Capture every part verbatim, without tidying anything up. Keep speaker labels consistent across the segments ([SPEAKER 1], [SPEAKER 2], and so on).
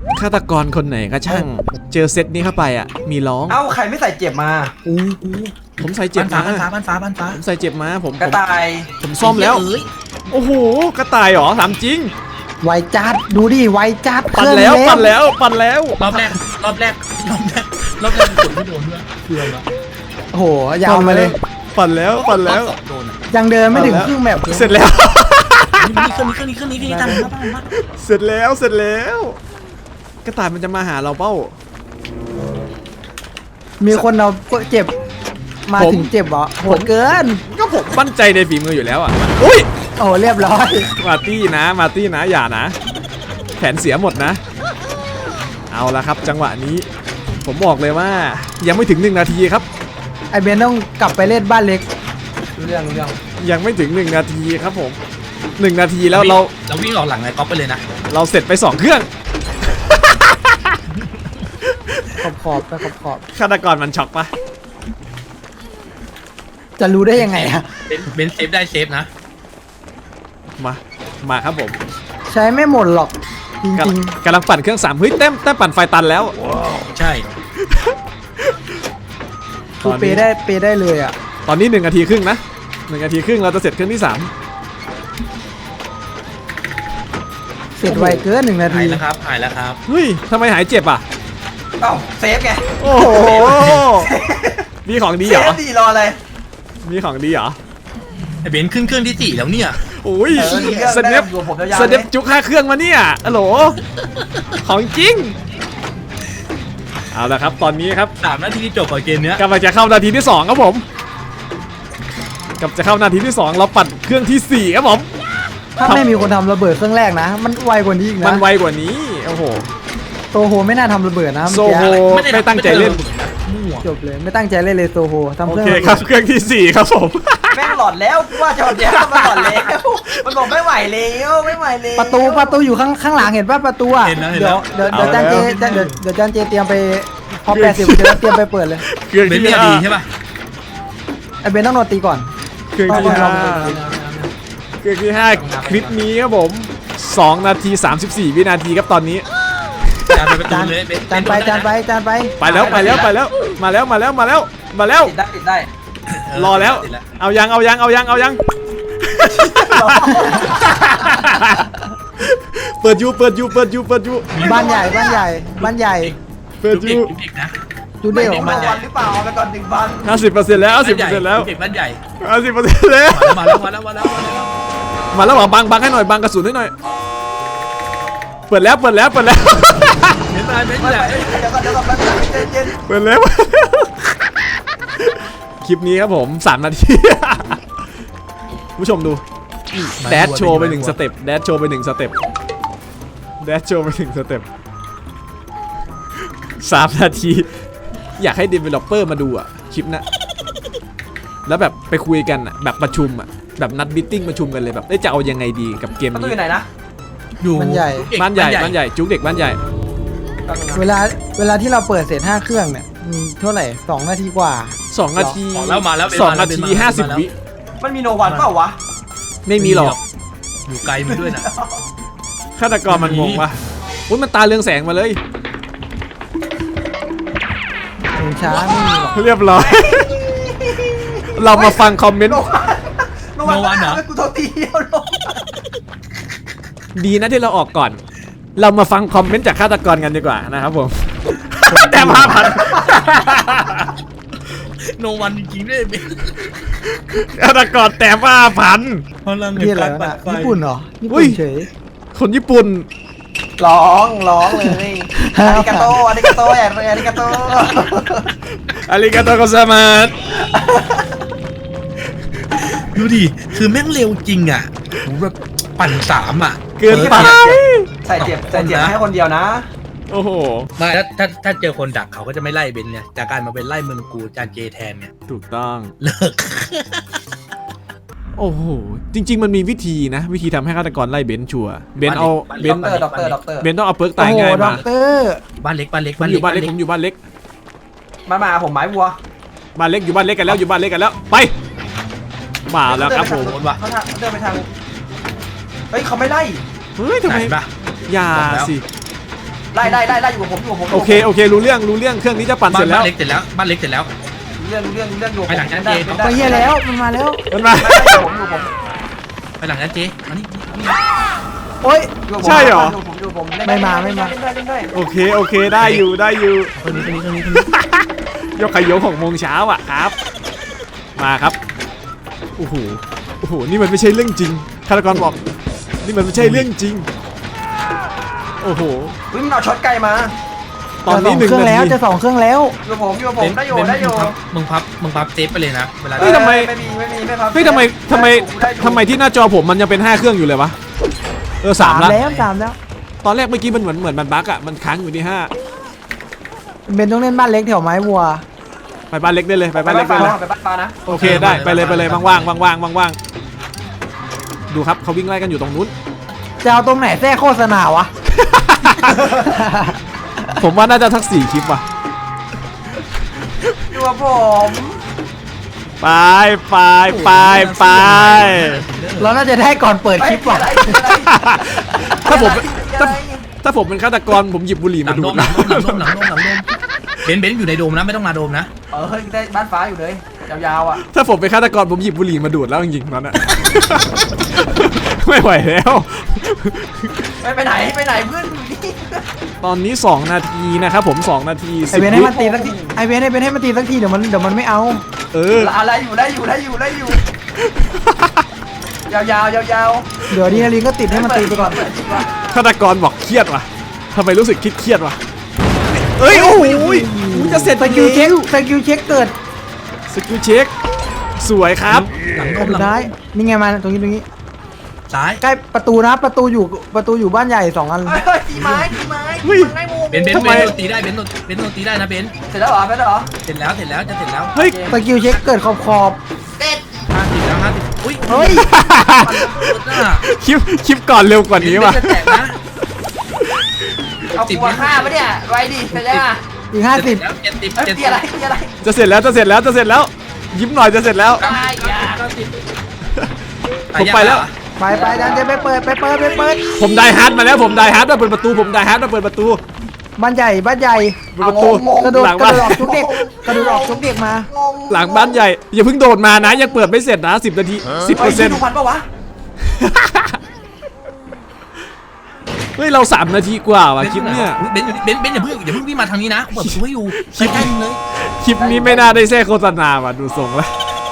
[SPEAKER 1] ฆาตกรคนไหนก็ช่างเจอเซตนี้เข้าไปอ่ะมีร้อง
[SPEAKER 2] เอ้าใครไม่ใส่เจ็บมา
[SPEAKER 1] อู้ผมใส่เจ็บมา
[SPEAKER 3] บ้านฟ้าบ้านฟ้าบ้านฟ้า
[SPEAKER 1] ผมใส่เจ็บมาผม
[SPEAKER 2] กระต่าย
[SPEAKER 1] ผมซ่อมแล้วโอ้โหกระต่ายเหรอถามจริง
[SPEAKER 4] ไวจัดดูดิไวจัด
[SPEAKER 1] ปั่นแล้วปั่นแล้วปั่นแล้ว
[SPEAKER 3] รอบแรกรอบแรกรอบแรกรอบแรกกดไม่โดนด้วยเพื่อนละ
[SPEAKER 4] โอ้โหยาวมาเลย
[SPEAKER 1] ปั่นแล้วปั่นแล้ว
[SPEAKER 4] ยังเดินไม่ถึงครึ่งแบบ
[SPEAKER 1] เสร็จแล้ว
[SPEAKER 3] นี่เครื่องนี้เครื่องนี้เครื่องนี้เครื่องนี้ตามมาตามมา
[SPEAKER 1] เสร็จแล้วเสร็จแล้วกระต่ายมันจะมาหาเราเป้า
[SPEAKER 4] มีคนเราเจ็บมาถึงเจ็บเหรอโหดเกิน
[SPEAKER 1] ก็ผมมั่นใจในฝีมืออยู่แล้วอ่ะอุ้ย
[SPEAKER 4] โอ้เรียบร้อย
[SPEAKER 1] มาตี้นะมาตี้นะอย่านะแผนเสียหมดนะเอาละครับจังหวะนี้ผมบอกเลยว่ายังไม่ถึงหนึ่งนาทีครับ
[SPEAKER 4] ไอเบนต้องกลับไปเล่นบ้านเล็ก
[SPEAKER 2] เรื่องเรื่อง
[SPEAKER 1] ยังไม่ถึงหนึ่งนาทีครับผมหนึ่งนาทีแล้วเรา
[SPEAKER 3] เราวิ่งออกหลังไอ้ก๊อฟไปเลยนะ
[SPEAKER 1] เราเสร็จไปสองเครื่อง
[SPEAKER 4] ขอบขอบไปขอบขอบ
[SPEAKER 1] ฆาตกรมันช็อกปะ
[SPEAKER 4] จะรู้ได้ยังไงอะ
[SPEAKER 3] เบนเซฟได้เซฟนะ
[SPEAKER 1] มามาครับผม
[SPEAKER 4] ใช้ไม่หมดหรอกจริง
[SPEAKER 1] ๆกำลังปั่นเครื่องสามเฮ้ยเต็มเต็มปั่นไฟตันแล้ว
[SPEAKER 3] ใช่
[SPEAKER 4] คือเปได้เปได้เลยอ่ะ
[SPEAKER 1] ตอนนี้หนึ่งนาทีครึ่งนะหนึ่งนาทีครึ่งเราจะเสร็จเครื่องที่สาม
[SPEAKER 4] เสร็จไวเกินหนึ่งนาที
[SPEAKER 3] หายแล้วครับหายแล้วครับ
[SPEAKER 1] เฮ้ยทำไมหายเจ็บอ่ะ
[SPEAKER 2] เอ้าเซฟไง
[SPEAKER 1] โอ้โหมีของดีเหรอ
[SPEAKER 2] เซฟดีรออะไร
[SPEAKER 1] มีของดีเหรอ
[SPEAKER 3] ไอเบนขึ้นเครื่องที่สี่แล้วเนี่ย
[SPEAKER 1] โอ้ยสเนปสเนปจุกห้าเครื่องมาเนี่ยฮัลโหลของจริงเอาละครับตอนนี้ครับ
[SPEAKER 3] สามนาทีจบกับเกมเนี้ย
[SPEAKER 1] กำลังจะเข้านาทีที่สองครับผมกำลังจะเข้านาทีที่สองเราปั่นเครื่องที่สี่ครับผม
[SPEAKER 4] ถ้าไม่มีคนทำระเบิดเครื่องแรกนะมันไวกว่านี้อีกนะ
[SPEAKER 1] มันไวกว่านี้โอ้โห
[SPEAKER 4] โซโฮไม่น่าทำระเบิดนะ
[SPEAKER 1] โซโฮไม่ตั้งใจเล่น
[SPEAKER 4] จบเลยไม่ตั้งใจเล่นเลยโซโฮทำเครื่อง
[SPEAKER 1] โอเคครับเครื่องที่สี่ครับผม
[SPEAKER 2] แม่งหลอดแล้วว่าจะหลอดแล้วมันหลอดแล้วมันบอกไม่ไหวแล้วไม่ไหวแล้ว
[SPEAKER 4] ประตูประตูอยู่ข้างข้างหลังเห็นป่ะประตูอ่ะเดี๋ยวเดี๋ยวเดี๋ยวจานเจเดี๋ยวเดี๋ยวจานเจเตรียมไปพอแปดสิบเดี๋ยวเตรียมไปเปิดเลย
[SPEAKER 1] เครื่องที่
[SPEAKER 3] ดีใช่ป่ะ
[SPEAKER 4] ไอเบนต้องโดนตีก่อน
[SPEAKER 1] เครื่องที่ห้าเครื่องที่ห้าคลิปนี้ครับผมสองนาทีสามสิบสี่วินาทีครับตอนนี้
[SPEAKER 3] จานไปจานเลย
[SPEAKER 4] จานไปจานไปจานไป
[SPEAKER 1] ไปแล้วไปแล้วไปแล้วมาแล้วมาแล้วมาแล้วมาแล้ว
[SPEAKER 2] ติดได้ติดได้
[SPEAKER 1] รอแล้วเอายังเอายังเอายังเอายังเปิดยูเปิดยูเปิดยูเปิดยู
[SPEAKER 4] บ้านใหญ่บ้านใหญ่บ้านใหญ่
[SPEAKER 1] เปิดยู
[SPEAKER 4] ดูเด็กของ
[SPEAKER 2] มันหรือเปล่าไปก่อนหนึ่งบ้าน
[SPEAKER 1] ห้าสิบเปอร์เซ็นต์แล้วห้าสิบเปอร์เซ็นต์แล้ว
[SPEAKER 3] เด็กบ้านใหญ่
[SPEAKER 1] ห้าสิบเปอร์เซ็นต์แล้ว
[SPEAKER 3] มาแล้วมาแล้วมาแล้ว
[SPEAKER 1] มาแล้วบังบังให้หน่อยบังกระสุนให้หน่อยเปิดแล้วเปิดแล้วเปิดแล้ว
[SPEAKER 3] เห็นไหมเห็นไหม
[SPEAKER 2] เดี๋ยวก่อนเดี๋ยวก่อนเย็น
[SPEAKER 1] เปิดแล้วคลิปนี้ครับผมสามนาทีผู้ชมดูแดชโชว์ไปหนึ่งสเต็ปแดชโชว์ไปหนึ่งสเต็ปแดชโชว์ไปหนึ่งสเต็ปสามนาทีอยากให้ developer มาดูอ่ะคลิปนะแล้วแบบไปคุยกันอ่ะแบบประชุมอ่ะแบบนัดมิทติ้งประชุมกันเลยแบบจะเอายังไงดีกับเกมนี้
[SPEAKER 2] อยู่ไหนนะ
[SPEAKER 4] อยู่บ้านใหญ่
[SPEAKER 1] บ้านใหญ่บ้านใหญ่จุกเด็กบ้านใหญ่
[SPEAKER 4] เวลาเวลาที่เราเปิดเสร็จห้าเครื่องเนี่ยเท่าไหร่สองนาทีกว่า
[SPEAKER 1] สองนาที
[SPEAKER 3] แล้วมาแล้ว
[SPEAKER 1] สองนาทีห้าสิบวิ
[SPEAKER 2] มันมีโนวันเปล่าวะ
[SPEAKER 1] ไม่มีหรอก
[SPEAKER 3] อยู่ไกลมันด้วยนะ
[SPEAKER 1] ฆาตกรมันงงวะอุ้ยมันตาเรืองแสงมาเลย
[SPEAKER 4] ถึงช้าไม่มีหรอก
[SPEAKER 1] เรียบร้อยเรามาฟังคอมเมนต์
[SPEAKER 2] โนวันเหรอกูโทษทีเดียวลง
[SPEAKER 1] ดีนะที่เราออกก่อนเรามาฟังคอมเมนต์จากฆาตกรกันดีกว่านะครับผมแต่มาพัน
[SPEAKER 3] โนวันจริงๆด้วย
[SPEAKER 1] ฆาตกรแต่มาพัน
[SPEAKER 3] พลัง
[SPEAKER 4] เห็นการปั่นไฟญี่ปุ่นเหรอญี่ปุ่นเฉย
[SPEAKER 1] คนญี่ปุ่น
[SPEAKER 2] ร้องร้องเลยอาริกาโตอาริกาโตแอนอาริกาโต
[SPEAKER 1] อาริกาโตโกซามาส
[SPEAKER 3] ดูดิคือแม่งเร็วจริงอ่ะแบบปั่นสามอ่ะ
[SPEAKER 1] เกินไป
[SPEAKER 2] ใส่เจ็บใส่เจ็บให้คนเดียวนะ
[SPEAKER 1] โอ้โห
[SPEAKER 3] ไม่ถ้าถ้าถ้าเจอคนดักเขาก็จะไม่ไล่เบนเนี่ยจากการมาเป็นไล่เมืองกูจานเจแทนเนี่ย
[SPEAKER 1] ถูกต้อง
[SPEAKER 3] เลิก
[SPEAKER 1] โอ้โหจริงๆมันมีวิธีนะวิธีทำให้ฆาตกรไล่เบนชัวเบนเอาเบน
[SPEAKER 2] ด็อกเตอร์ด็อกเตอร์
[SPEAKER 1] เบนต้องเอาเปิร์กตายง่ายมา
[SPEAKER 3] บ้านเล็กบ้านเล็ก
[SPEAKER 1] บ้านอยู่บ้านเล็กผมอยู่บ้านเล็ก
[SPEAKER 2] มามาผมไม้วัว
[SPEAKER 1] บ้านเล็กอยู่บ้านเล็กกันแล้วอยู่บ้านเล็กกันแล้วไปมาแล้วครับผม
[SPEAKER 2] เขาเดินไปทางเฮ้ยเขาไม่ไล่
[SPEAKER 1] เฮ้ยทำไมอย่าสิ
[SPEAKER 2] ไล่ไล่ไล่ไล่อยู่กับผมอยู่กับผม
[SPEAKER 1] โอเคโอเครู้เรื่องรู้เรื่องเครื่องนี้จะปั่น
[SPEAKER 3] บ้า
[SPEAKER 1] เสร็
[SPEAKER 3] น
[SPEAKER 1] จแล้ว
[SPEAKER 3] เล็กเสร็จแล้วบ้านเล็กเสร็จแล้ว
[SPEAKER 2] รู้เรื่องรู้เรื่องรู้เรื่องอยู่
[SPEAKER 3] ไปหลังชั้น
[SPEAKER 2] ได้
[SPEAKER 3] เจ
[SPEAKER 2] ได้
[SPEAKER 4] ไปเฮียแล้วมันมาแล้ว
[SPEAKER 1] มันมา
[SPEAKER 2] ไม่ไม่อยู่ผมอยู่ผม
[SPEAKER 3] ไปหลังนั้นเจมานี่
[SPEAKER 4] โอ๊ย
[SPEAKER 2] อยู่ผม
[SPEAKER 1] ใช่เหรอ
[SPEAKER 2] อยู่ผมอยู่ผม
[SPEAKER 4] ไม่มาไม่มา
[SPEAKER 2] เล่นได้เล่นได้
[SPEAKER 1] โอเคโอเคได้อยู่ได้อยู่
[SPEAKER 3] คนนี้คนนี้คนนี้คนนี้
[SPEAKER 1] ยกขยโยหกโมงเช้าอ่ะครับมาครับโอ้โหโอ้โหนี่มันไม่ใช่เรื่องจริงฆาตกรบอกนี่มันไม่ใช่เรื่องจริงโอ้โห
[SPEAKER 2] วิ่งเอาช็อตไกลมา
[SPEAKER 1] ตอนนี้หนึ่ง
[SPEAKER 4] จะสองเครื่อง
[SPEAKER 1] นา
[SPEAKER 4] แล้ว
[SPEAKER 1] ที
[SPEAKER 4] จะสองเครื่องแล้ว
[SPEAKER 2] อยู่กับผมอยู่กับผมได้อยู่
[SPEAKER 3] เบนซ์
[SPEAKER 2] ได้อยู่
[SPEAKER 3] มึงพับมึงพับเซฟไปเลยนะเวลา
[SPEAKER 1] เฮ้ยทำไม
[SPEAKER 2] ไม่มีไม่มีไม่พับ
[SPEAKER 1] เฮ้ยทำไมทำไม
[SPEAKER 2] ด้อยู่
[SPEAKER 1] ทำไมที่หน้าจอผมมันยังเป็นห้าเครื่องอยู่เลยวะเออสามละ
[SPEAKER 4] แล้วสามแล้ว
[SPEAKER 1] ตอนแรกเมื่อกี้มันเหมือนเหมือนมันบั๊กอ่ะมันค้างอยู่ที่ห้า
[SPEAKER 4] เบนต้องเล่นบ้านเล็กแถวไม้วัว
[SPEAKER 1] ไปบ้านเล็กได้เลยไปบ้านเล็กได้เลย
[SPEAKER 2] ไปบ้านฟ้านะ
[SPEAKER 1] โอเคได้ไปเลยไปเลยว่างๆว่างๆว่างๆดูครับเขาวิ่งไล่กันอยู่ตรงนู้น
[SPEAKER 4] จะเอาตรงไหนแทรกโฆษณาวะ
[SPEAKER 1] ผมว่าน่าจะทักสี่คลิปว่ะ
[SPEAKER 2] อยู่กับผม
[SPEAKER 1] ไปไปไปไป
[SPEAKER 4] เราน่าจะได้ก่อนเปิดคลิปว่ะ
[SPEAKER 2] เฮ้ยอะไรอะไร
[SPEAKER 1] ถ้าผม
[SPEAKER 2] อะไร
[SPEAKER 1] ถ้าถ้าผมเป็นฆาตกรผมหยิบบุหรี่
[SPEAKER 3] หลั
[SPEAKER 1] มาง ดู
[SPEAKER 3] โดม
[SPEAKER 1] ด
[SPEAKER 3] หลั
[SPEAKER 1] นะ
[SPEAKER 3] งโดมหลังโดมหลังโดมหลังโดมเบนซ์เบนซ์อยู่ในโดมนะไม่ต้องมาโดมนะ
[SPEAKER 2] เออเฮ้ยได้บ้านฟ้าอยู่เลยยาวๆอ่ะ
[SPEAKER 1] ถ้าผมเป็นฆาตกรผมหยิบบุหรี่มาดูดแล้วจริงๆนั้นอะ ไม่ไหวแล้ว
[SPEAKER 2] ไปไปไหนไปไหนเพื่อนอยู่นี่
[SPEAKER 1] ตอนนี้สองนาทีนะครับผมสองนาที
[SPEAKER 4] ไอ
[SPEAKER 1] สิบ
[SPEAKER 4] เบนให้
[SPEAKER 1] วิ
[SPEAKER 4] มันตีสักทีไอเบนให้เบนให้มันตีสักทีเดี๋ยวมันเดี๋ยวมันไม่เอา
[SPEAKER 1] เออ
[SPEAKER 2] อะไรอยู่ได้อยู่ได้อยู่ได้อยู่ยาวๆยาวๆ
[SPEAKER 4] เดี๋ยวดีนาลีก็ติดให้มันตีไปก่อน
[SPEAKER 1] ฆาตกรบอกเครียดว่ะทำไมรู้สึกคิดเครียดว่ะเอ้ยโอ้โหกูจะเสร็จ
[SPEAKER 4] สกิลเช็คสกิลเช็คเกิด
[SPEAKER 1] สกิลเช็คสวยครับ
[SPEAKER 3] หลังโดมหลัง
[SPEAKER 4] ได้นี่ไงมาตรงนี้ตรงนี้
[SPEAKER 3] ซ้าย
[SPEAKER 4] ใกล้ประตูนะประตูอยู่ประตูอยู่บ้านใหญ่สองอัน
[SPEAKER 2] เฮ้ยเฮ้ยตีไม้ตีไม้
[SPEAKER 1] เฮ้ย
[SPEAKER 2] มันไม่มุม
[SPEAKER 3] เบนซ์เบนซ์
[SPEAKER 1] ทำไม
[SPEAKER 3] เบนซ์โดนตีได้เบนซ์โดนเบนซ์โดนตีได้นะเบนซ์
[SPEAKER 2] เสร็จแล้วเหรอเสร็จแล้วเหรอ
[SPEAKER 3] เสร็จแล้วเสร็จแล้วจะเสร็จแล้ว
[SPEAKER 1] เฮ้ย
[SPEAKER 4] สกิลเช็คเกิดขอบขอบ
[SPEAKER 2] เด็ด
[SPEAKER 3] ห้าสิบแล้วห้าสิบอุ้ย
[SPEAKER 4] เฮ้ย
[SPEAKER 1] คลิปคลิปก่อนเร็วกว่านี้ว่ะ
[SPEAKER 3] เบนซ์จะแตกนะ
[SPEAKER 2] เอาตัวฆ่าปะเนี่ยไว้ดิไปได้ป่ะ
[SPEAKER 4] อีกห้าสิบ
[SPEAKER 3] แล้วเจ็ดสิบ
[SPEAKER 2] เฮ้ย
[SPEAKER 3] เจ็ด
[SPEAKER 2] ตี
[SPEAKER 3] สิบ
[SPEAKER 2] อะไรตีอะไร
[SPEAKER 1] จะเสร็จแล้วจะเสร็จแล้วจะเสร็จแล้ว ยิ้มหน่อยจะเสร็จแล้ว
[SPEAKER 2] ตายยา
[SPEAKER 3] เก้าสิบ
[SPEAKER 1] ผมไปแล้ว
[SPEAKER 4] ไปไปดันจะไปเปิดไปเปิดไปเปิด
[SPEAKER 1] ผมไดฮาร์ดมาแล้วผมไดฮาร์ดมาเปิดประตูผมไดฮาร์ดมาเปิดประตู
[SPEAKER 4] บ้านใหญ่บ้านใหญ่
[SPEAKER 1] เปิดประตู
[SPEAKER 4] กระโดด
[SPEAKER 1] หลัง
[SPEAKER 4] กระ
[SPEAKER 1] บ้าน
[SPEAKER 4] โดดออกทุกเด็กกระโดดออกทุกเด็กมา
[SPEAKER 2] งง
[SPEAKER 1] หลังบ้านใหญ่อย่าเพิ่งโดดมานะยังเปิดไม่เสร็จนะสิบนาทีสิบเป
[SPEAKER 2] เฮ้
[SPEAKER 1] อย ร์เซ็นต์
[SPEAKER 2] ดูพันปะวะ
[SPEAKER 1] เฮ้ยเราสามนาทีกว่าว่ะคลิปเนี่ย
[SPEAKER 3] เบนซ์เบนซ์เบนซ์อย่าเพิ่งอย่าเพิ่งวิ่งมาทางนี้นะเปิดประตูให้อยู่ใกล้ๆมึงเลย
[SPEAKER 1] คลิปนี้ไม่น่าได้แทรกโฆษณาว่ะดูทรงแล้ว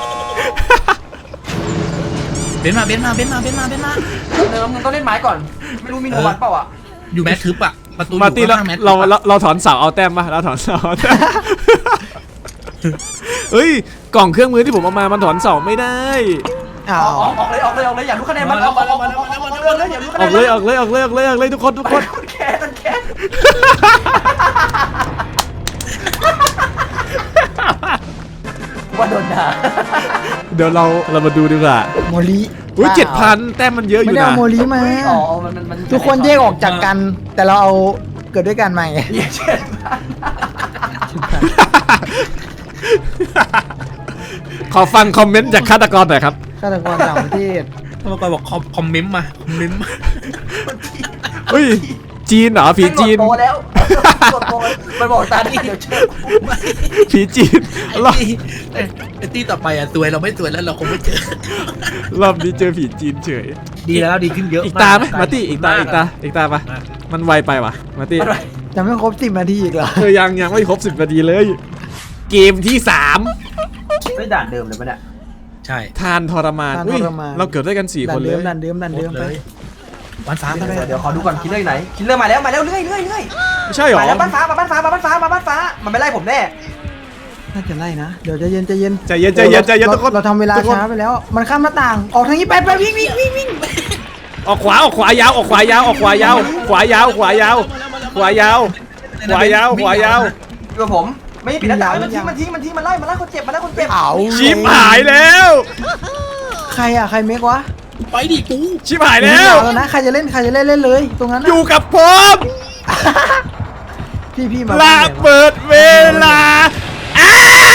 [SPEAKER 3] เบนซ์มาเบนซ์มาเบนซ์มาเบนซ์มาเบนซ์มา
[SPEAKER 2] เดิมมึงต้องเล่นไม้ก่อนไม่รู้มีโนวันเปล่าอ่ะ
[SPEAKER 3] อยู่แมททึบอะประตูอ
[SPEAKER 1] มา
[SPEAKER 3] ยู่
[SPEAKER 1] ร์ตี้แล้ว
[SPEAKER 3] ข้างๆแมททึบ
[SPEAKER 1] เรา
[SPEAKER 3] อะ
[SPEAKER 1] เราเราถอนเสาเอาแต้มปะเราถอนเสาเอาแต้ม เฮ้ยกล่องเครื่องมือที่ผมเอามามันถอนเสาไม่ได้
[SPEAKER 4] อ้า
[SPEAKER 2] อ
[SPEAKER 4] ว
[SPEAKER 2] อกออกเลยออกเลยออกเลยอยากรู้คะแนนมันออกออกออกออกออกออกเลยอยากรู้คะ
[SPEAKER 1] อ
[SPEAKER 2] แน
[SPEAKER 1] อน กเลยออกเลยออกเลยออกเลยออกเลยทุกคนทุกคน
[SPEAKER 2] มันแค้นมันแค้นว่าโดนด่า
[SPEAKER 1] เดี๋ยวเราเรามาดูดีกว่า
[SPEAKER 4] โมลี
[SPEAKER 1] อุ้ยเจ็ดพันแต้มมันเยอะอ
[SPEAKER 4] ไม่
[SPEAKER 1] ยู่
[SPEAKER 4] ได้
[SPEAKER 1] นะ
[SPEAKER 4] เอาโมลีมา
[SPEAKER 2] อ๋อมันมันมัน
[SPEAKER 4] ทุกคนแยกออกจากกัน แต่เราเอาเกิดด้วยกันมาไง
[SPEAKER 2] เหี้ยเช่น
[SPEAKER 1] ขอฟังคอมเมนต์จากฆาตกรหน่อยครับ
[SPEAKER 4] ฆาตกรต่างประเทศ
[SPEAKER 3] กรรมการบอกคอมคอมเมนต์มาคอมเมนต์มา
[SPEAKER 1] เฮ้ยจีนเหรอผีจีน
[SPEAKER 2] โตแล้วโตมันบอกตาดีเดี๋ยวเชื่อ
[SPEAKER 1] ผีจีนรอบ
[SPEAKER 3] ไอ้ไอ้ตี้ต่อไปอะสวยเราไม่สวยแล้วเราคงไม่เจอ
[SPEAKER 1] รอบนี้เจอผีจีนเฉย
[SPEAKER 3] ดีแล้วดีขึ้นเยอะ
[SPEAKER 1] อีกตาไหมมาร์ตี้อีกตาอีกตาอีกตาปะมันไวไปวะมาร์ตี้
[SPEAKER 4] จะไม่ครบสิบนาทีอีกเหรอ
[SPEAKER 1] เธอยังยังไม่ครบสิบนาทีเลย เกมที่สาม
[SPEAKER 2] ไม่ด่านเดิมเลยปะเนี่ย
[SPEAKER 3] ใช่
[SPEAKER 1] ทานทรมาน
[SPEAKER 4] ทาน
[SPEAKER 1] อุ้ย
[SPEAKER 4] ทรมาน
[SPEAKER 1] เราเกิดด้วยกันสี่
[SPEAKER 4] ดั
[SPEAKER 1] คน นเล
[SPEAKER 4] เดิ
[SPEAKER 1] ย
[SPEAKER 4] มดันเดิมดันเดิมไป
[SPEAKER 3] วันฟ้าก็ได้
[SPEAKER 2] เดี๋ยวขอดูก่อนคิลเลอร์อยู่ไหนคิลเลอร์มาแล้วมาแล้วเรื่อยเรื่อยเรื่อย
[SPEAKER 1] ไม่ใช่หรอ
[SPEAKER 2] มาแล้วบ้านฟ้ามาบ้านฟ้ามาบ้านฟ้ามาบ้านฟ้ามันไม่ไล่ผมแน่
[SPEAKER 4] น่าจะไล่นะ เดี๋ยวใจเย็นใจเย็น
[SPEAKER 1] ใจเย็นใจเย็นใจเย็น
[SPEAKER 4] รา
[SPEAKER 1] ทุกคน
[SPEAKER 4] เราทำเวลา
[SPEAKER 1] ทุกคน
[SPEAKER 4] ช้าไปแล้ว มันข้ามหน้าต่าง ออกทางนี้ไปไปวิ่งวิ่งวิ่งวิ่ง
[SPEAKER 1] ออกขวาออกขวายาวออกขวายาวออกขวายาวขวายาวขวายาวขวายาวขวายาวขวายาว
[SPEAKER 2] อยู่กับผมไม่ปิดหน้าต่างมันทิ้งมันทิ้งมันทิ้งมันไล่มันไล่คนเจ็บมันไล่คนเจ็บ
[SPEAKER 4] เอา
[SPEAKER 1] ชิปหายแล้ว
[SPEAKER 4] ใครอะใครเมกวะ
[SPEAKER 3] ไปดิกู
[SPEAKER 1] ชิปหายแล้ว
[SPEAKER 4] เอานะใครจะเล่นใครจะเล่นเล่นเลย ตรงนั้น
[SPEAKER 1] อยู่กับผม
[SPEAKER 4] พี่พี่มา
[SPEAKER 1] ลาเปิดเวลาอ้า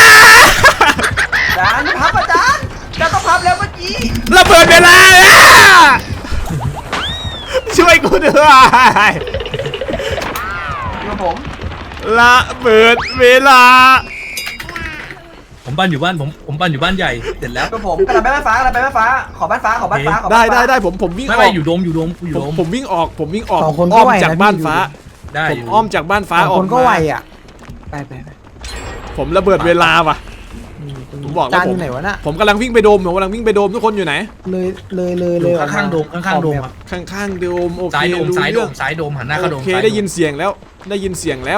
[SPEAKER 2] จานพับอาจารย์จะต้องพับแล้วเมื่อกี้
[SPEAKER 1] ระเบิดเวลาอ่ะช่วยกูด้วย
[SPEAKER 2] กับผม
[SPEAKER 1] ละเบิดเวลา
[SPEAKER 3] ผมบ้านอยู่บ้านผมผมบ้านอยู่บ้านใหญ่เสร็จแล้ว
[SPEAKER 2] กับผมกระดาษไปบ้านฟ้ากระดาษไปบ้านฟ้าขอบ้านฟ้าขอบ้านฟ้าขอ
[SPEAKER 1] ได้
[SPEAKER 2] บ้านฟ้า
[SPEAKER 1] ได้ได้ผมผมวิ่งอ
[SPEAKER 3] ไม่
[SPEAKER 1] อก
[SPEAKER 3] ไม่อยู่โดมอยู่โดมอยู่
[SPEAKER 1] ผ
[SPEAKER 3] โด
[SPEAKER 1] ม
[SPEAKER 3] ม
[SPEAKER 1] ผมวิ่งออกผมวิ่งออก
[SPEAKER 4] สองคน
[SPEAKER 1] อ้
[SPEAKER 4] ก็
[SPEAKER 1] อม
[SPEAKER 4] ไหว
[SPEAKER 1] จาก
[SPEAKER 4] นะ
[SPEAKER 1] บ้าน
[SPEAKER 4] พี่
[SPEAKER 1] ฟ้า
[SPEAKER 3] ได้
[SPEAKER 1] ผ
[SPEAKER 3] อ
[SPEAKER 1] ม
[SPEAKER 3] ยู่
[SPEAKER 1] อ้อมจากบ้านฟ้า
[SPEAKER 4] สอง
[SPEAKER 1] ออก
[SPEAKER 4] คนก็
[SPEAKER 1] มา
[SPEAKER 4] ไหวอ่ะไปไปไป
[SPEAKER 1] ผมระเบิดเวลาว่ะ ผมบอกแล้ว
[SPEAKER 4] จาน
[SPEAKER 1] ผม
[SPEAKER 4] อยู่ไหนวะน่ะ
[SPEAKER 1] ผมกำลังวิ่งไปโดมผมกำลังวิ่งไปโดมทุกคนอยู่ไหน
[SPEAKER 4] เลยเลยเลยเลย
[SPEAKER 3] ข้างข้างๆโดมข้างๆโดมครับ
[SPEAKER 1] ข้างๆโดมโอเค
[SPEAKER 3] ซ้ายโดม
[SPEAKER 1] รู้
[SPEAKER 3] ซ้ายโด
[SPEAKER 1] เรื่อง
[SPEAKER 3] มซ้ายโดมหันหน้าเข้าโด
[SPEAKER 1] โอ
[SPEAKER 3] ม
[SPEAKER 1] เค
[SPEAKER 3] ซ้า
[SPEAKER 1] ได้ยินเสียงแล้วได้ยินเสียงแล้ว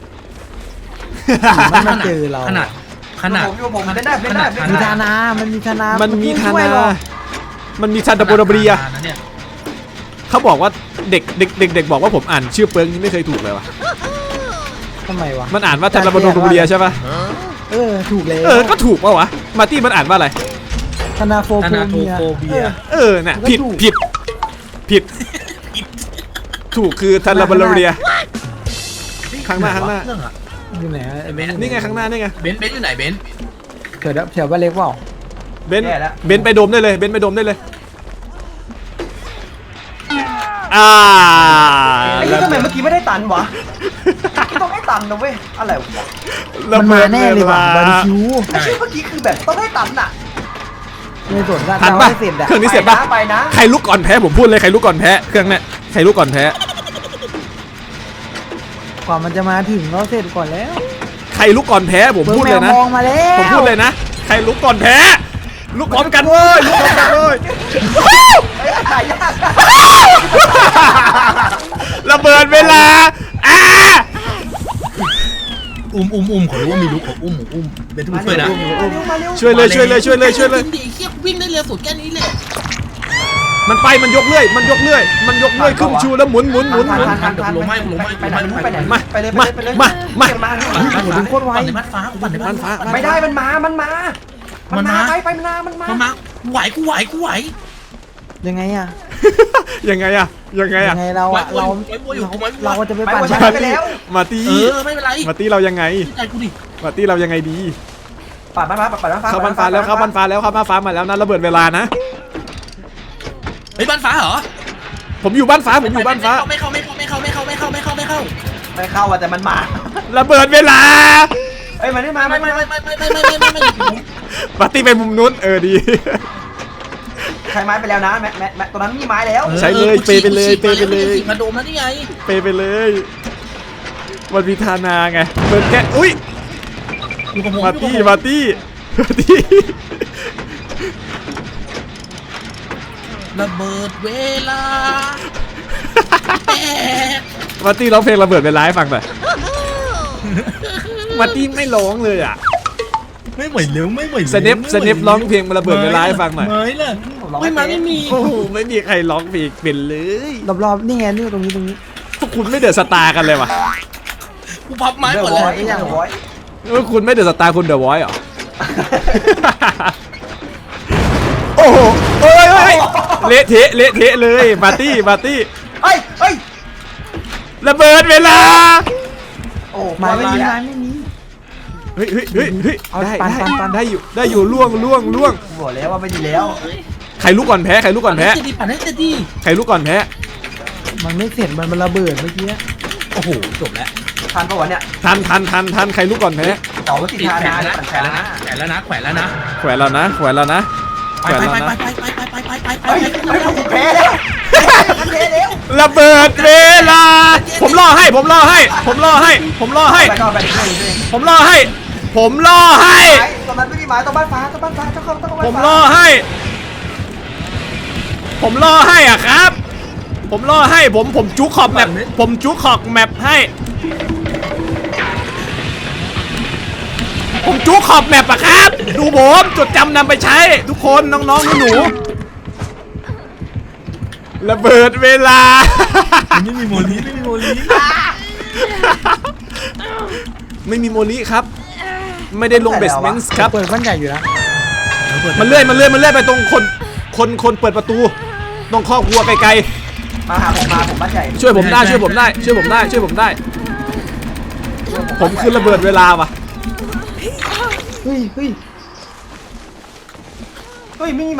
[SPEAKER 4] มันมาเจอเรา
[SPEAKER 3] ขนาดขนาด
[SPEAKER 2] ผมอยู่กับผมเล่นได้เล่นได้เล่น
[SPEAKER 4] มี
[SPEAKER 2] ได้
[SPEAKER 4] ธานามันมีธานา
[SPEAKER 1] มันมีธา
[SPEAKER 4] ช่วย
[SPEAKER 1] นา
[SPEAKER 4] หรอก
[SPEAKER 1] มันมีซันตาโบราเบีย
[SPEAKER 3] ขนาดนั้นเนี่ย
[SPEAKER 1] เขาบอกว่าเด็กเด็กเด็กเด็กบอกว่าผมอ่านชื่อเปิงนี่ไม่เคยถูกเลยวะ
[SPEAKER 4] ทำไมวะ
[SPEAKER 1] มันอ่านว่าซันตาโบราเบียใช่ปะ
[SPEAKER 4] เออถูกเลย
[SPEAKER 1] เออก็ถูกปะวะมาร์ตี้มันอ่านว่าอะไร
[SPEAKER 4] ธนาโฟ
[SPEAKER 3] ธ
[SPEAKER 4] โฟ
[SPEAKER 3] นาโท
[SPEAKER 4] เมีย
[SPEAKER 3] โฟเบีย
[SPEAKER 1] เออน่ะ
[SPEAKER 4] มันก็
[SPEAKER 1] ผิด
[SPEAKER 4] ถูก
[SPEAKER 1] ผิดผิดถูกคือซันตาโบราเบีย ข้างหน้าข้างหน้า
[SPEAKER 3] เครื่องอะ
[SPEAKER 4] อยู่ไหนอะไอ้เบน
[SPEAKER 1] นี่ไงข้างหน้านี่ไง
[SPEAKER 3] เบนซ์เบนซ์อยู่ไหนเบนซ์
[SPEAKER 4] เกิดแถวบ้านเล็กเปล่า
[SPEAKER 1] เบนซ์เบนซ์ไปโดมได้เลยเบนซ์ไปโดมได้เลยอ่า
[SPEAKER 2] ไอ้นี่ทำไมเมื่อกี้ไม่ได้ตันวะต้องให้ตันนะเว้ยอะไรวะ
[SPEAKER 4] มันมาแน่เลยว่ะบาร์บีคิว
[SPEAKER 2] ไอ้ชื่อเมื่อกี้คือแบบต้องให้ตันอ่ะ
[SPEAKER 4] ในส่วนว่า
[SPEAKER 1] ทัน
[SPEAKER 4] เรา
[SPEAKER 1] ปะ
[SPEAKER 4] ไม่เสร็จอะ
[SPEAKER 1] เครื่องนี้เสร็จปะ
[SPEAKER 2] ไปนะ
[SPEAKER 1] ใครลุกก่อนแพ้ผมพูดเลยใครลุกก่อนแพ้เครื่องเนี้ยใครลุกก่อนแพ้
[SPEAKER 4] กว่ามันจะมาถึงเราเสร็จก่อนแล้ว
[SPEAKER 1] ใครลุกก่อนแพ้ผมพูดเลยนะ
[SPEAKER 4] มองมาแล้ว
[SPEAKER 1] ผมพูดเลยนะใครลุกก่อนแพ้ลุกพร้อมกันเว้ยลุกพร้อมกันเว้ย
[SPEAKER 2] ไอ้ถ่ายยาก
[SPEAKER 1] ระเบิดเวลาอ่า
[SPEAKER 3] อุ้มอุ้มอุ้มขอรู้ว่ามีลุกของอุ้มอุ้มเป็นทุกช่วยนะ
[SPEAKER 2] มาเร็วมาเร็ว
[SPEAKER 1] ช่วยเลยช่วยเลยช่วยเลยช่วยเลย
[SPEAKER 3] ดิเคียวิ่งได้เร็วสุดแค่นี้เลย
[SPEAKER 1] มันไปมันยกเลื่อยมันยกเลื่อยมันยกเลื่อยขึ้นชูแล้วหมุนหมุนหมุนหมุน
[SPEAKER 2] ไปไหนไปไหน
[SPEAKER 1] มา
[SPEAKER 2] ไปเลย
[SPEAKER 1] มา
[SPEAKER 2] ไปเลย
[SPEAKER 1] มามา
[SPEAKER 2] มา
[SPEAKER 3] ปั่นในบ้านฟ้าปั่นในบ้านฟ้า
[SPEAKER 2] ไม่ได้มันมามันมามันมาไปไปมันมามันมา
[SPEAKER 3] มันมาไหวกูไหวกูไหว
[SPEAKER 4] ยังไงอะ
[SPEAKER 1] ยังไงอะยังไง
[SPEAKER 4] ยั
[SPEAKER 1] อะ
[SPEAKER 4] งไงเราอะเราเราก็จะไปปั่น
[SPEAKER 2] ไป
[SPEAKER 1] มา
[SPEAKER 2] ไป
[SPEAKER 1] ตี้
[SPEAKER 2] แล้ว
[SPEAKER 1] มาตี้
[SPEAKER 3] เออไม่เป็นไร
[SPEAKER 1] มาตี้เรายังไง
[SPEAKER 3] ใจกูดิ
[SPEAKER 1] มาตี้เรายังไงดี
[SPEAKER 2] ปัดบ้านฟ้าปัดบ้านฟ้า
[SPEAKER 1] เข้าบ้านฟ้าแล้วเข้าบ้านฟ้าแล้วเข้าบ้านฟ้ามาแล้วนะระเบิดเวลานะ
[SPEAKER 3] เฮ้ยบ้านฟ้าเหรอ
[SPEAKER 1] ผมอยู่บ้านฟ้าผมอยู่บ้านฟ้า
[SPEAKER 3] ไม่เข้าไม่เข้าไม่เข้าไม่เข้าไม่เข้าไม่เข้าไม่เข้า
[SPEAKER 2] ไม่เข้าอ่ะแต่มันมา
[SPEAKER 1] ระเบิดเวลา
[SPEAKER 2] เอ้ยมันไม่มา
[SPEAKER 3] ไม่
[SPEAKER 2] ไม่
[SPEAKER 3] ไม่
[SPEAKER 2] ไม่
[SPEAKER 3] ไม่ไม่ไม่ไม่ไม่ไม่ไม่
[SPEAKER 1] ปาร์ตี้ไปมุมนู้นเออดี
[SPEAKER 2] ใช้ไม้ไปแล้วนะแม่แม่แม่ตัวนั้นมีไม้แล้ว
[SPEAKER 1] ใช้เลยเปย์ไปเลยเปย์ไปเลย
[SPEAKER 3] มาโดมแล้วนี่ไง
[SPEAKER 1] ไปไปเลยมันมีธานาไงเปิดแค่อุ้ย
[SPEAKER 3] อยู่กับผม
[SPEAKER 1] มาตี้มาตี้มาตี้
[SPEAKER 3] ระเบิดเวลา
[SPEAKER 1] มาตี้ร้องเพลงระเบิดเวลาให้ฟังหน่อยมาตี้ไม่ร้องเลยอ่ะ
[SPEAKER 3] ไม่ไหวเร็วไม่ไหว
[SPEAKER 1] สเนปสเนปร้องเพลงระเบิดเวลาให้ฟังหน่อย
[SPEAKER 3] ไม่เลยไม่มาไม่มี
[SPEAKER 1] โอ้โหไม่มีใครร้องเพลงเป็นเลย
[SPEAKER 4] รอบๆนี่ไงนี่ตรงนี้ตรงนี้
[SPEAKER 1] พวกคุณไม่เดือดสตาร์กันเลยว่ะ
[SPEAKER 3] กูพับไม้
[SPEAKER 2] เด
[SPEAKER 3] หม
[SPEAKER 2] อะ
[SPEAKER 3] ด
[SPEAKER 2] ว
[SPEAKER 3] เล
[SPEAKER 2] อย
[SPEAKER 3] ย
[SPEAKER 2] เดอะวอย
[SPEAKER 1] เออคุณไม่เดือดสตาร์คุณเดอะวอยเหรอ โอ้โหเอ้ยเอ้ยเละเทะเละเทะเลยปาร์ตี้ปาร์ตี้
[SPEAKER 2] เฮ้ยเฮ้ย
[SPEAKER 1] ระเบิดเวลา
[SPEAKER 2] โอ้
[SPEAKER 4] ไม้ไม่มี
[SPEAKER 2] แล้ว
[SPEAKER 4] ไม้ไม่มี
[SPEAKER 1] เฮ้ยเฮ้ยเฮ้ยเฮ้ย
[SPEAKER 4] เอา
[SPEAKER 1] ได้
[SPEAKER 4] ปัน
[SPEAKER 1] ได้
[SPEAKER 4] ปันปัน
[SPEAKER 1] ได้อยู่ได้อยู่ล่วงล่วงล่วง
[SPEAKER 2] บอกแล้วว่าไม่ดีแล้ว
[SPEAKER 1] ใครลุกก่อนแพ้ใครลุกก่อนแพ้
[SPEAKER 3] จะดีปั่นให้จะดี
[SPEAKER 1] ใครลุกก่อนแพ้
[SPEAKER 4] มันไม่เสร็จมันมันระเบิดเมื่อกี้
[SPEAKER 3] โอ้โหจบแล้ว
[SPEAKER 2] ทันปะวะเนี่ย
[SPEAKER 1] ทันทันทันทันใครลุกก่อนแพ้
[SPEAKER 2] เต่ามันติด
[SPEAKER 3] ติด
[SPEAKER 2] ทา
[SPEAKER 3] แข
[SPEAKER 2] นาน
[SPEAKER 3] แล้ว
[SPEAKER 2] ปั่น
[SPEAKER 3] แข
[SPEAKER 2] แข
[SPEAKER 3] น
[SPEAKER 2] น
[SPEAKER 3] แล้
[SPEAKER 2] แล้ว ว
[SPEAKER 3] นะ
[SPEAKER 2] นะ
[SPEAKER 3] แขนแล้วนะแขวนแล้วนะ
[SPEAKER 1] แขวนแล้วนะแขวนแล้วนะ
[SPEAKER 3] ไป
[SPEAKER 1] แขวน
[SPEAKER 3] ไป
[SPEAKER 1] แล้ว
[SPEAKER 3] ไป
[SPEAKER 1] นะ
[SPEAKER 3] ไปไปไปไปไปไป
[SPEAKER 2] เฮ้ยเฮ้ยผมแพ้แล้วผมแพ้แล้ว
[SPEAKER 1] ระเบิดเวลา ผมล่อให้ผมล่อให้ ผมล่อให้ ผมล่อให้
[SPEAKER 2] ไปก่อนไปก่อนไป
[SPEAKER 1] ผมล่อให้ ผมล่อให้
[SPEAKER 2] ตรงนั้นไม่มีไม้ตรงบ้านฟ้าตรงบ้านฟ้าต้องเข้าต้องเข้า
[SPEAKER 1] ผมล่อให้ ผมล่อให้อ่ะครับ ผมล่อให้ผมผมจุกขอบแมปผมจุกขอบแมปให้ ผมจุกขอบแมปอะครับ ดูผมจดจำนำไปใช้ ทุกคนน้องๆหนูๆระเบิดเวลา
[SPEAKER 3] ไม่มีโมลีไม่มีโมลี
[SPEAKER 1] ไม่มีโมลิครับ ไม่ได้ลงเบสเมนต์ครับ
[SPEAKER 4] เปิดบ้านใหญ่อยู่นะ
[SPEAKER 1] มันเลื่อยมันเลื่อยมันเลื่อยไปตรงคนคนคนเปิดประตูตรงคอกวัวไกล
[SPEAKER 2] มาหาผมมาผมบ้านใหญ่
[SPEAKER 1] ๆช่วยผมได้ช่วยผมได้ช่วยผมได้ช่วยผมได้ ผมคือระเบิดเวลาว่ะ
[SPEAKER 4] เฮ้ยเฮ้ย
[SPEAKER 2] เฮ้ยไม่มีไม้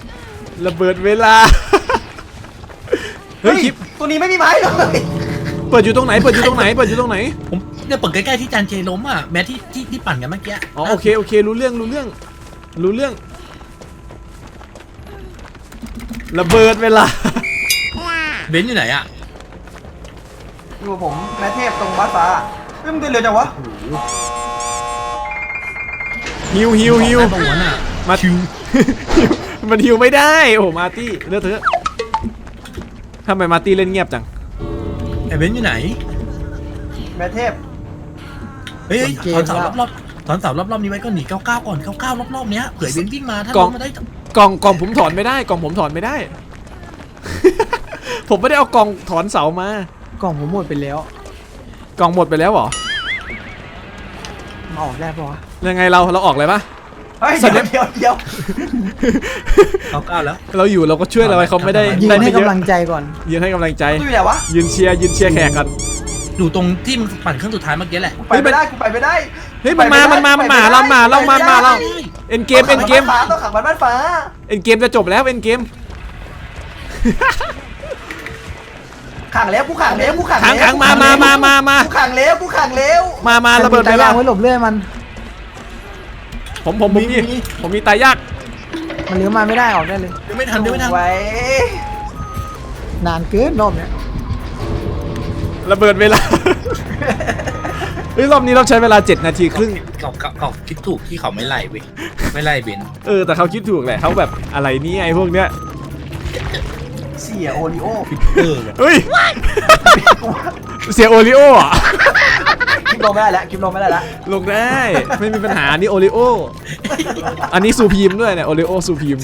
[SPEAKER 1] ระเบิดเวลา เฮ้
[SPEAKER 2] เฮ้
[SPEAKER 1] ย
[SPEAKER 2] ย
[SPEAKER 1] คลิป
[SPEAKER 2] ตัวนี้ไม่มีไม้เลย
[SPEAKER 1] เปิดอยู่ตรงไหนเปิดอยู่ตรงไหนเปิดอยู่ตรงไหน
[SPEAKER 3] ผมเนี่ยเปิดใกล้ๆที่จานเจล้มอ่ะแม้ที่ที่ที่ปั่นกันเมื่อกี้
[SPEAKER 1] อ๋อโอเคโอเครู้เรื่องรู้เรื่องรู้เรื่องระเบิดเวลา
[SPEAKER 3] เบนซ์อยู่ไหนอ่ะ
[SPEAKER 2] อยู่กับผมแม่เทพตรงบ้านฟ้าเฮ้ยมึงเดินเร็วจังวะ
[SPEAKER 1] ฮิวฮิวฮิว
[SPEAKER 3] ตรงนั้นอ่ะ
[SPEAKER 1] มาฮิว มันฮิวไม่ได้โอ้โหมาร์ตี้เลือกเถอะทำไมมาร์ตี้เล่นเงียบจัง
[SPEAKER 3] ไอ้เบนซ์อยู่ไหน
[SPEAKER 2] แม่เทพ
[SPEAKER 3] เฮ้ยถอนเสารอบๆถอนเสารอบๆนี้ไว้ก็หนีเก้าเก้าก่อนเก้าเก้ารอบๆเนี้ยเผื่อเบนซ์วิ่งมาถ้าล้มมาได้
[SPEAKER 1] กล่องกล่องผมถอนไม่ได้กล่องผมถอนไม่ได้ ผมไม่ได้เอากล่องถอนเสามาก
[SPEAKER 4] ล่องผมหมดไปแล้ว
[SPEAKER 1] กล่องหมดไปแล้วเหรอ
[SPEAKER 4] มาออกได้ปะวะ
[SPEAKER 1] ยังไงเราเราออกเลยปะ
[SPEAKER 2] เฮ้ย
[SPEAKER 1] สั
[SPEAKER 2] เดี๋
[SPEAKER 1] ญ
[SPEAKER 2] ยว
[SPEAKER 1] ญา
[SPEAKER 2] เดี๋ยวเดี๋ยว
[SPEAKER 3] เก้าเก้าแล้ว
[SPEAKER 1] เราอยู่เราก็ช่วยเราไว้เขาไม่ได้
[SPEAKER 4] ยืน
[SPEAKER 1] ได้
[SPEAKER 4] ให้
[SPEAKER 1] ไม่เยอะ
[SPEAKER 4] กำลังใจก่อน
[SPEAKER 1] ยืนให้กำลังใจ
[SPEAKER 2] ตู้อยู่ไหนวะ
[SPEAKER 1] ยืนเชียร์ยืนเชียร์แขกกัน
[SPEAKER 3] อยู่ตรงที่มึงปั่นเครื่องสุดท้ายเมื่อกี้แหละ
[SPEAKER 2] กูไปไม่ได้กูไปไม่ได้
[SPEAKER 1] เฮ้ยมันมามันมามันมาเรามาเรามามาเราเอ็นเกมเอ็นเกม
[SPEAKER 2] ต้องขังบ้านฟ้า
[SPEAKER 1] เอ็นเกมจะจบแล้วเอ็นเกม
[SPEAKER 2] ขังแล้วกูขังแล้วกูขัง
[SPEAKER 1] ขังขังมามามามามา
[SPEAKER 2] กูขังแล้วกูขังแล้ว
[SPEAKER 1] มามาระเบิด
[SPEAKER 4] ตา
[SPEAKER 1] เวลา
[SPEAKER 4] ย่างไว้หลบเลื่อยมัน
[SPEAKER 1] ผมผมผมมีผมมีตายยาก
[SPEAKER 4] มันเลี้ยวมาไม่ได้ออกได้เลย
[SPEAKER 3] เดี๋ยวไม่ทันเดี๋ยวไม่ทัน
[SPEAKER 2] ไว้
[SPEAKER 4] นานเกินรอบเนี้ย
[SPEAKER 1] ระเบิดเวลา เฮ้ยรอบนี้เราใช้เวลาเจ็ดนาทีครึ่ง
[SPEAKER 3] เขาเขาเขาคิดถูกที่เขาไม่ไล่เว้ยไม่ไล่เบนซ์
[SPEAKER 1] เออแต่เขาคิดถูกแหละเขาแบบอะไรเนี่ยไอ้พวกเนี้ย
[SPEAKER 2] เสียโอริโอ
[SPEAKER 3] เออ
[SPEAKER 1] เฮ้ย เสียโอริโออ่ะ
[SPEAKER 2] คลิปลงไม่ได้แล้วคลิปลงไม่ได้แล้ว
[SPEAKER 1] ลงได้ไม่มีปัญหานี่โอริโออันนี้ซูพีมด้วยเนี่ยโอริโอซูพีม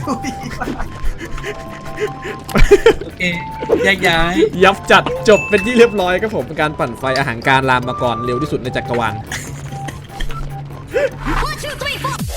[SPEAKER 3] โอเคแยกย้าย
[SPEAKER 1] ยับจัดจบเป็นที่เรียบร้อยครับผมการปั่นไฟอาหารการรามมาก่อนเร็วที่สุดในจักรวาล
[SPEAKER 5] One, two, three, four.